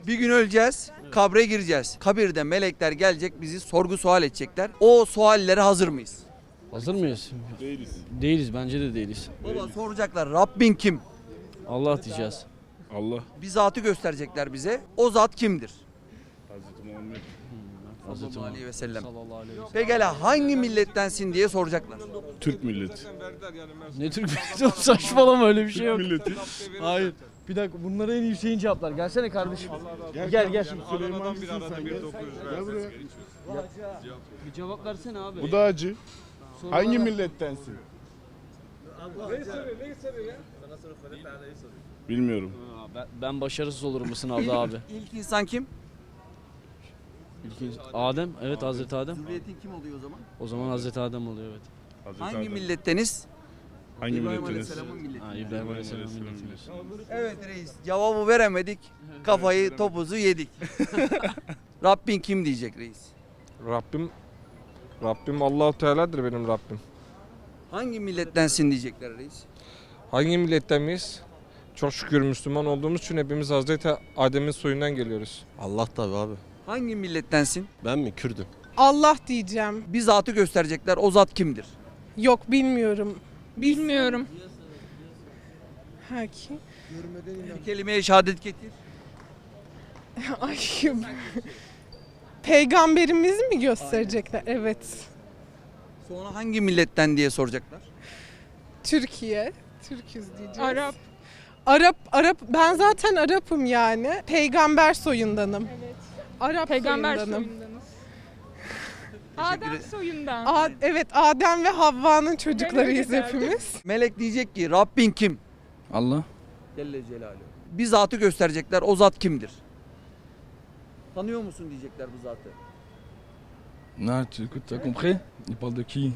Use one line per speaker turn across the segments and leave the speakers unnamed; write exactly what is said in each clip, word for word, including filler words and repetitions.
Bir gün öleceğiz, kabre gireceğiz. Kabirde melekler gelecek, bizi sorgu sual edecekler. O suallere hazır mıyız?
Hazır mıyız? Değiliz. Değiliz, bence de değiliz.
Baba soracaklar, Rabbin kim?
Allah diyeceğiz.
Allah.
Bir zatı gösterecekler bize. O zat kimdir?
Hazreti Muhammed.
Hazreti
Sallallahu aleyhi ve sellem.
Sallallahu aleyhi ve sellem.
Pekala hangi millettensin diye soracaklar.
Türk milleti.
Ne Türk milleti? Saçmalama, öyle bir şey yok.
Milleti.
Hayır. Bir dakika, bunlara en iyi Hüseyin cevaplar. Gelsene kardeşim. Gel gel.
Süleyman'cısın sen gel. Gel buraya.
Bir cevap versene abi.
Bu da acı. Hangi millettensin? Bilmiyorum.
Ben, ben başarısız olurum bu sınavda abi.
İlk insan kim?
İlk, Adem, evet Hazreti Adem.
Zürriyetin kim oluyor o zaman?
O zaman Hazreti Adem oluyor, evet.
Hazreti
Hangi
Adem.
milletteniz?
Hangi
İbrahim
milletteniz?
Aleyhisselam'ın milleti.
Ha, İbrahim Aleyhisselam milleti diyorsun.
Evet reis, cevabı veremedik. Kafayı, topuzu yedik. Rabbin kim diyecek reis?
Rabbim Rabbim Allahu Teala'dır benim Rabbim.
Hangi millettensin diyecekler reis?
Hangi milletten miyiz? Çok şükür Müslüman olduğumuz için hepimiz Hazreti Adem'in soyundan geliyoruz.
Allah tabii abi.
Hangi millettensin?
Ben mi? Kürdüm.
Allah diyeceğim.
Bir zatı gösterecekler. O zat kimdir?
Yok bilmiyorum.
Bilmiyorum.
Ha kim?
Bir kelimeye şehadet getir.
Ay. Peygamberimizi mi gösterecekler? Evet.
Sonra hangi milletten diye soracaklar.
Türkiye. Türküz diyeceğiz.
Arap.
Arap, Arap. Ben zaten Arap'ım yani. Peygamber soyundanım.
Evet.
Arap
Peygamber
soyundanım.
soyundanız. Adem soyundan.
A- evet, Adem ve Havva'nın çocuklarıyız
derdim.
hepimiz.
Melek diyecek ki Rabbin kim?
Allah.
Celle Celaluhu. Bir zatı gösterecekler. O zat kimdir? Tanıyor musun diyecekler bu zatı.
Non, tu écoutes, t'as compris? Il parle de qui?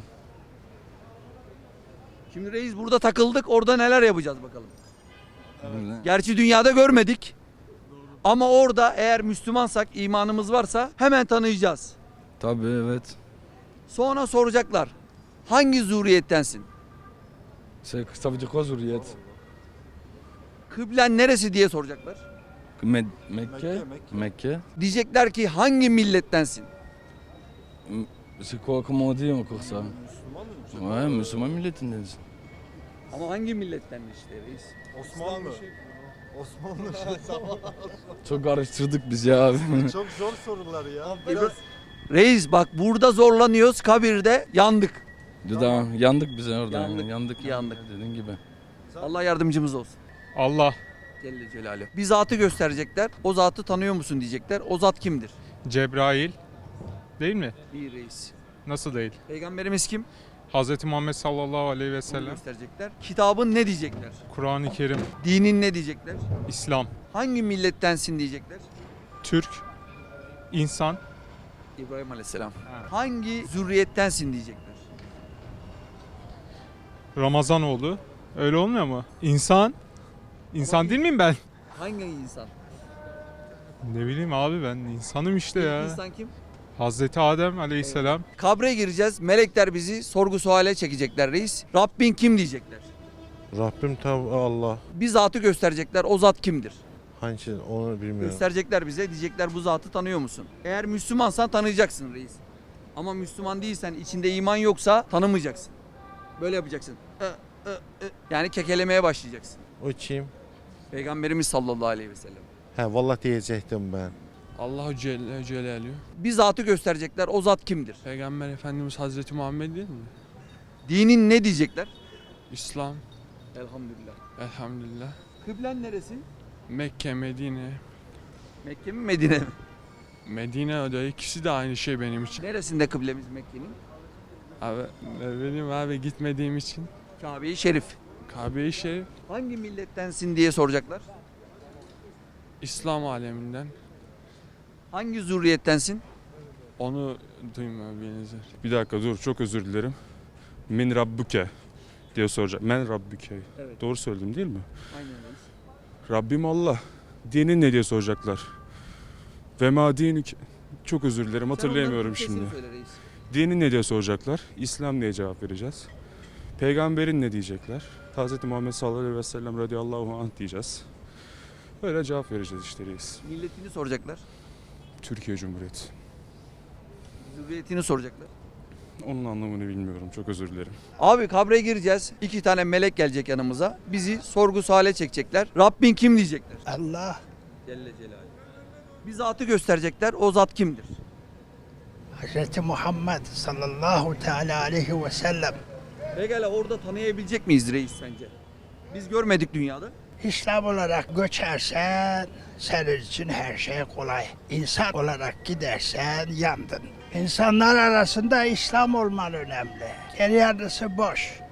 Şimdi reis burada takıldık. Orada neler yapacağız bakalım.
Voilà.
Gerçi dünyada görmedik. Ama orada eğer Müslümansak, imanımız varsa hemen tanıyacağız.
Tabii evet.
Sonra soracaklar. Hangi zürriyettensin?
C'est, ça veut dire quoi zurriyet?
Kıblen neresi diye soracaklar.
Med- Mekke? Mekke.
Diyecekler ki hangi millettensin?
M- C'est quoi, comment on dit encore ça? Ouais, Müslüman milletindensin.
Ama hangi milletten işte reis?
Osmanlı. Osmanlı.
Çok karıştırdık biz ya abi.
Çok zor sorular ya.
Reis bak burada zorlanıyoruz, kabirde yandık.
Tamam. Yandık biz orada.
Yandık,
yani, Yandık.
yandık.
Dediğin gibi.
Allah yardımcımız olsun.
Allah.
Celle Celaluhu. Bir zatı gösterecekler. O zatı tanıyor musun diyecekler. O zat kimdir?
Cebrail değil mi?
Bir reis.
Nasıl değil?
Peygamberimiz kim?
Hazreti Muhammed sallallahu aleyhi ve
Onu
sellem.
gösterecekler. Kitabın ne diyecekler?
Kur'an-ı Kerim,
Dinin ne diyecekler?
İslam,
Hangi millettensin diyecekler?
Türk, insan,
İbrahim Aleyhisselam.
Ha.
Hangi zürriyettensin diyecekler?
Ramazanoğlu. Öyle olmuyor mu? İnsan. İnsan değil miyim ben?
Hangi insan?
Ne bileyim abi, ben insanım işte ya.
İlk insan kim?
Hazreti Adem aleyhisselam.
Kabre gireceğiz. Melekler bizi sorgu suale çekecekler reis. Rabbin kim diyecekler.
Rabbim tabii Allah.
Bir zatı gösterecekler. O zat kimdir?
Hangisi onu bilmiyorum.
Gösterecekler bize. Diyecekler bu zatı tanıyor musun? Eğer Müslümansan tanıyacaksın reis. Ama Müslüman değilsen, içinde iman yoksa tanımayacaksın. Böyle yapacaksın. Ö, ö, ö. Yani kekelemeye başlayacaksın.
O kim?
Peygamberimiz sallallahu aleyhi ve sellem.
He vallahi diyecektim ben.
Allahu Celle Celaluhu.
Bir zatı gösterecekler. O zat kimdir?
Peygamber Efendimiz Hazreti Muhammed değil mi?
Dinin ne diyecekler?
İslam.
Elhamdülillah.
Elhamdülillah.
Kıblen neresi?
Mekke, Medine.
Mekke mi Medine mi?
Medine o da ikisi de aynı şey benim için.
Neresinde kıblemiz Mekke'nin?
Abi ne bileyim abi, gitmediğim için.
Kabe-i Şerif.
Kabe-i Şerif,
Hangi millettensin diye soracaklar.
İslam aleminden.
Hangi zürriyettensin?
Onu duymuyor benzer.
Bir dakika dur, çok özür dilerim. Min Rabbuke diye soracak. Men Rabbuke.
Evet.
Doğru söyledim değil mi?
Aynen reis.
Rabbim Allah. Dinin ne diye soracaklar. Ve ma dinik. Çok özür dilerim, hatırlayamıyorum
Sen
şimdi.
onların Türkçesini söyle reis.
Dinin ne diye soracaklar. İslam diye cevap vereceğiz. Peygamberin ne diyecekler. Hazreti Muhammed sallallahu aleyhi ve sellem radıyallahu anh diyeceğiz. Öyle cevap vereceğiz işte reis.
Milletini soracaklar.
Türkiye Cumhuriyeti.
Zürriyetini soracaklar.
Onun anlamını bilmiyorum. Çok özür dilerim.
Abi kabre gireceğiz. İki tane melek gelecek yanımıza. Bizi sorgu suale çekecekler. Rabbin kim diyecekler.
Allah
Celle Celaluhu. Bir zatı gösterecekler. O zat kimdir?
Hazreti Muhammed sallallahu teala aleyhi ve sellem.
Pekala orada tanıyabilecek miyiz reis sence? Biz görmedik dünyada.
İslam olarak göçersen senin için her şey kolay. İnsan olarak gidersen yandın. İnsanlar arasında İslam olman önemli. Geri yarısı boş.